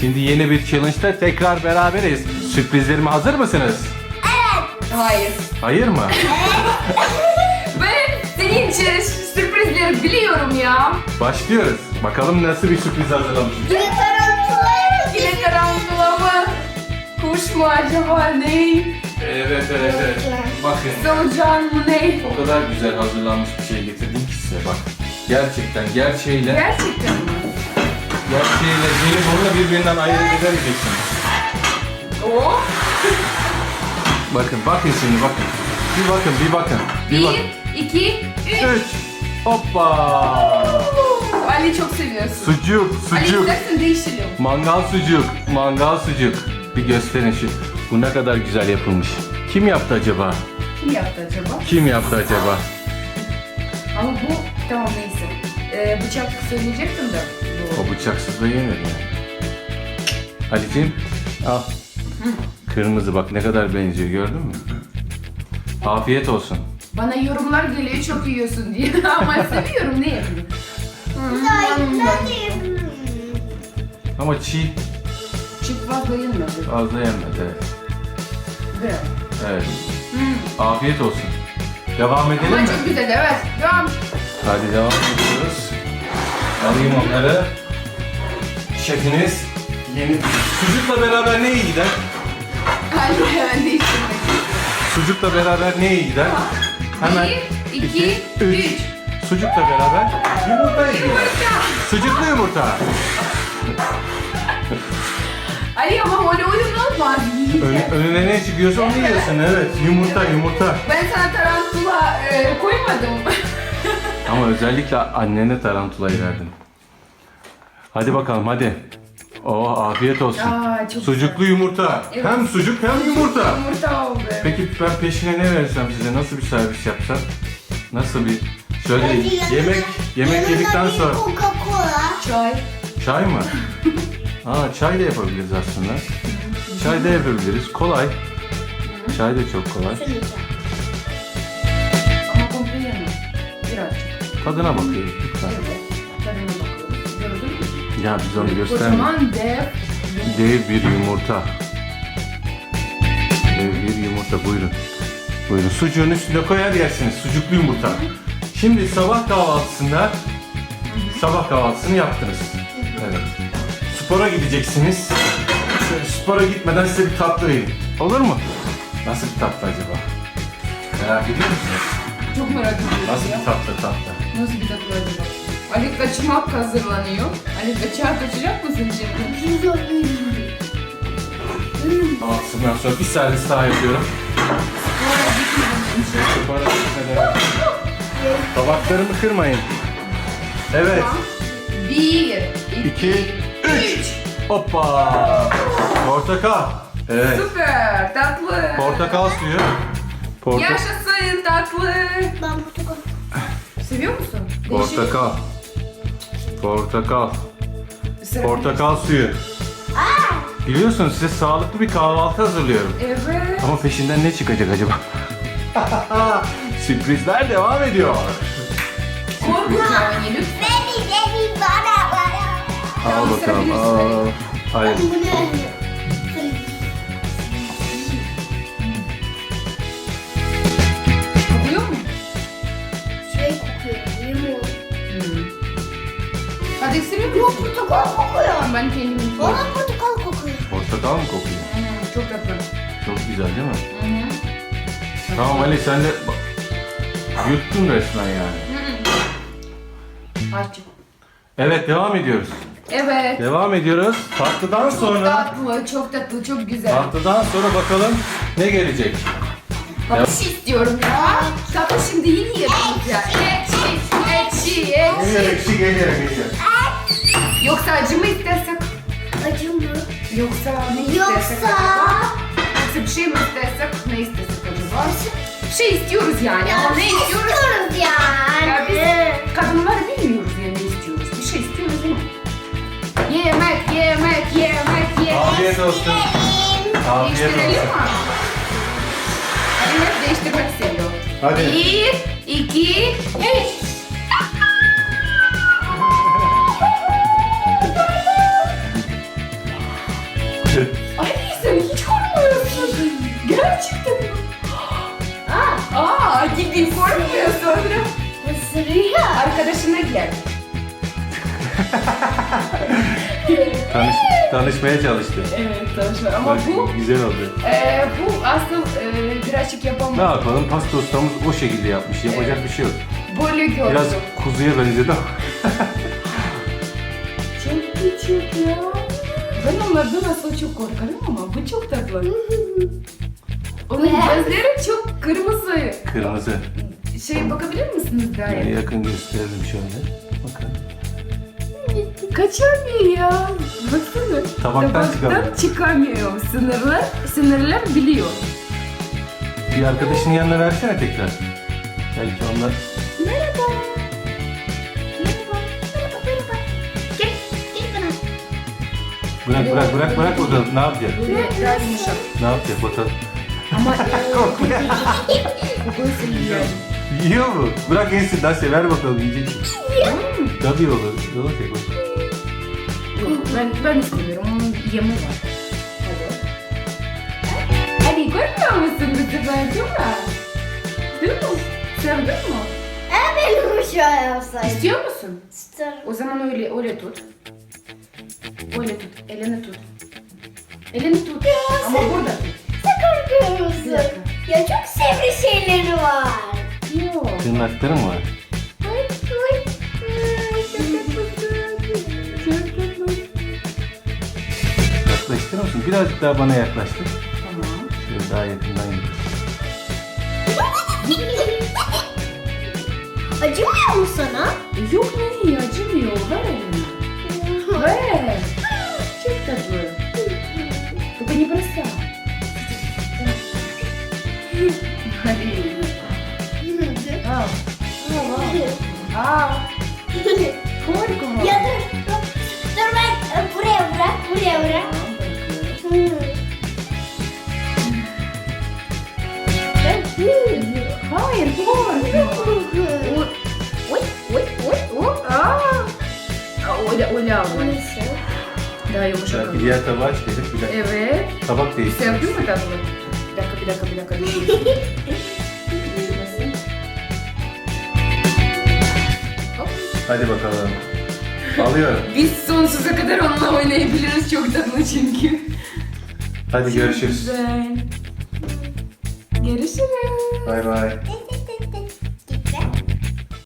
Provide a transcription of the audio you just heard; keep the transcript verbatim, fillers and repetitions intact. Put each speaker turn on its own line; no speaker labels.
Şimdi yeni bir challenge'da tekrar beraberiz. Sürprizlerime hazır mısınız?
Hayır.
Hayır mı?
Ben senin için sürprizleri biliyorum ya.
Başlıyoruz. Bakalım nasıl bir sürpriz hazırlamışım.
Yine tarantula mı? Yine tarantula mı? Kuş mu acaba ne?
Evet evet evet. Bakın.
Solucan mı ne?
O kadar güzel hazırlanmış bir şey getirdim ki size bak. Gerçekten gerçeğiyle,
Gerçekten mi?
gerçeğiyle jelibonla birbirinden ayırt edemeyeceksiniz.
Oo.
Bakın bakın şimdi bakın. Bir bakın bir bakın. Bir bakın.
Bir, iki, üç.
Üç. Hoppa.
Ali çok seviyorsun.
Sucuk,
Ali
sucuk.
istersen değişelim.
Mangal sucuk, mangal sucuk. Bir gösterin şu. Bu ne kadar güzel yapılmış. Kim yaptı acaba?
Kim yaptı acaba?
Kim yaptı acaba?
Ama bu tamam neyse. Ee, bıçak söyleyecektim de. Bu.
O bıçaksız da yenir yani. Ali'ciğim al. Kırmızı bak ne kadar benziyor gördün mü? Afiyet olsun.
Bana yorumlar geliyor çok yiyorsun diye ama seviyorum ne yapayım?
Ama çiğ
Çık fazla yenmedi.
fazla yenmedi. Evet.
Böyle.
Evet. Afiyet olsun. Devam edelim
Ama
mi?
çok güzel evet. Devam.
Hadi devam ediyoruz. Alayım onları. Şefiniz yeni... Sucukla beraber ne iyi gider?
Ali hemen değiştirmek.
Sucukla beraber ne iyi gider? Hemen
Bir, iki, üç.
Sucukla beraber yumurta iyi gider. Sucuklu yumurta.
Ali ama öyle oyun olmaz.
Ön, önüne ne çıkıyorsa onu yiyorsun. Evet, yumurta yumurta.
Ben sana tarantula e, koymadım.
Ama özellikle annene tarantulayı verdim. Hadi bakalım hadi. Oh afiyet olsun.
Aa, çok
Sucuklu yumurta.
Evet.
Hem sucuk hem yumurta.
Yumurta oldu.
Peki ben peşine ne versem size? Nasıl bir servis yapsam? Nasıl bir... Şöyle yemek yemek yedikten sonra...
Coca-Cola.
Çay.
Çay mı? Aa çay da yapabiliriz aslında. Çay da yapabiliriz. Kolay. Çay da çok kolay.
Ama komple yemem. Birazcık.
Tadına bakayım lütfen.
Evet. Tadına bakıyoruz. Gördün mü?
Ya biz onu göstermedik.
Kocaman dev.
Dev bir yumurta. Dev bir yumurta buyurun. Buyurun sucuğun üstüne koyar yersiniz. Sucuklu yumurta. Şimdi sabah kahvaltısında sabah kahvaltısını yaptınız. Evet. Spora gideceksiniz. Şöyle spora gitmeden size bir tatlı vereyim. Olur mu? Nasıl bir tatlı acaba? Merak ediyor musunuz?
Çok merak ediyorum
Nasıl
ya.
bir tatlı tatlı?
Nasıl bir tatlı acaba? Ali kaçmak hazırlanıyor. Ali kaçağa kaçacak mısın şimdi?
Altından sonra bir servis daha yapıyorum.
Oraya gitmedim.
Spora gitmeden. Tabaklarımı kırmayın. Evet.
Bir,
İki,
iki,
üç.
üç.
Hoppa. Portakal. Evet.
Süper, tatlı.
Portakal suyu. Porta
Yaşasın tatlı.
Ben portakal.
Seviyor musun?
portakal. Portakal.
Değişik.
Portakal suyu. Biliyorsunuz size sağlıklı bir kahvaltı hazırlıyorum.
Evet.
Ama peşinden ne çıkacak acaba? Sürprizler devam ediyor.
Korkacağım lütfen.
Beni beni bana bana.
Al
Tamam,
bakalım.
ısırabilirsin.
Al. Hayır.
Bu ne?
Kokuyor mu?
Şey kokuyor. Limon.
Hmm. Hadi ısırıyor
Yok
musun?
portakal kokuyor.
Tamam, ben kendim
Bana portakal kokuyor.
Portakal mı kokuyor?
Hmm, çok tatlı.
Çok güzel değil mi?
Hı hı.
Tamam Ali sen de bak, yuttun resmen yani.
Açık.
Evet devam ediyoruz.
Evet.
Devam ediyoruz. Tatlıdan
Çok
sonra
tatlı, çok tatlı, çok güzel.
tatlıdan sonra bakalım ne gelecek.
Bak bir şey istiyorum ya. Tatlı şimdi yeni yedim ya. Ekşi, ekşi,
Geliyor
ekşi.
ekşi geliyor geliyor.
Yoksa acı mı istesek?
Acı mı?
Yoksa ne istesek
Yoksa...
acaba? Yoksa bir şey mi istesek? Ne istesek acaba? Bir şey istiyoruz yani ama ne istiyoruz?
İstiyoruz yani.
Ya biz kadınlar bilmiyoruz ya ne istiyoruz. Bir şey istiyoruz ama. Yemek, yemek, yemek, yemek.
Afiyet olsun. Afiyet
Değiştirelim
olsun.
mi? Ali hep değiştirmek seviyor.
Hadi.
Bir, iki, üç. geldi.
Tanış, tanışmaya çalıştı.
Evet tanışma ama
Bak,
bu
güzel oldu.
e, bu asıl e, birazcık
Ne
yapamadım.
yapalım? Pasta ustamız o şekilde yapmış. Yapacak bir şey yok.
Böyle gördüm.
Biraz kuzuya benzedi ama.
Çok küçük ya. Ben onlardan asıl çok korkarım ama bu çok tatlı. Onun gözleri çok kırmızı.
Kırmızı.
Şey bakabilir misiniz daha
Yani
yakın?
yakın gösterelim şöyle. Bakın.
Kaçamıyor ya. Baksana.
Tabaktan çıkamıyor.
çıkamıyor. Sınırlar, sınırlar biliyor.
Bir arkadaşının yanına versene tekrar. Belki onlar...
Merhaba. Merhaba. Merhaba. Merhaba. Gel. Gel bana.
Bırak bırak bırak bırak bakalım ne yapacak?
Böyle daha yumuşak.
Ne yapacak bakalım.
Ama kokusu yiyor.
Yiyor mu? Bırak yesin Nasya ver bakalım yiyecek.
Hmm.
Tabii olur. Ne olacak o?
Ben, ben istemiyorum. Onun yemi var. Hadi. Hadi görmüyor musun bu sefer değil mi? Değil mi? Sevdin mi?
Aa, benim şöyle yapsaydım.
İstiyor musun?
İsterim.
O zaman öyle öyle tut. Öyle tut. Elini tut. Elini tut. Ama
sen-
burada tut.
Sen korkuyor
Bir
musun?
dakika.
Ya çok sevri şeyleri var.
Yok.
Tırnakları mı var?
Ay, ay. Ay, çok tatlı.
Yaklaştırır mısın? Birazcık daha bana yaklaştır.
Tamam.
Şöyle daha yakından git.
Acımıyor mu sana?
Yok ne acımıyor. Ver elini. Ver. Çok tatlı. Только не бросай. Hadi. Al. Al. Al. Korkma.
Ya dur, dur. Dur ben e, buraya bırak, buraya bırak.
Tamam, bırakıyorum. Hayır, korkma. Oy, oy, oy, oy, oy. Aa. Aa, Öyle, öyle al. Daha yumuşak.
Belki diğer tabağa çıkacak. Bir dakika.
Evet.
Tabak değiştir.
Sevdin mi tatlı? Bir dakika, bir dakika, bir dakika. Düşmesin. Hop.
Hadi bakalım. Alıyorum.
Biz sonsuza kadar onunla oynayabiliriz. Çok tatlı çünkü.
Hadi görüşürüz.
Güzel. Görüşürüz.
Bay bay.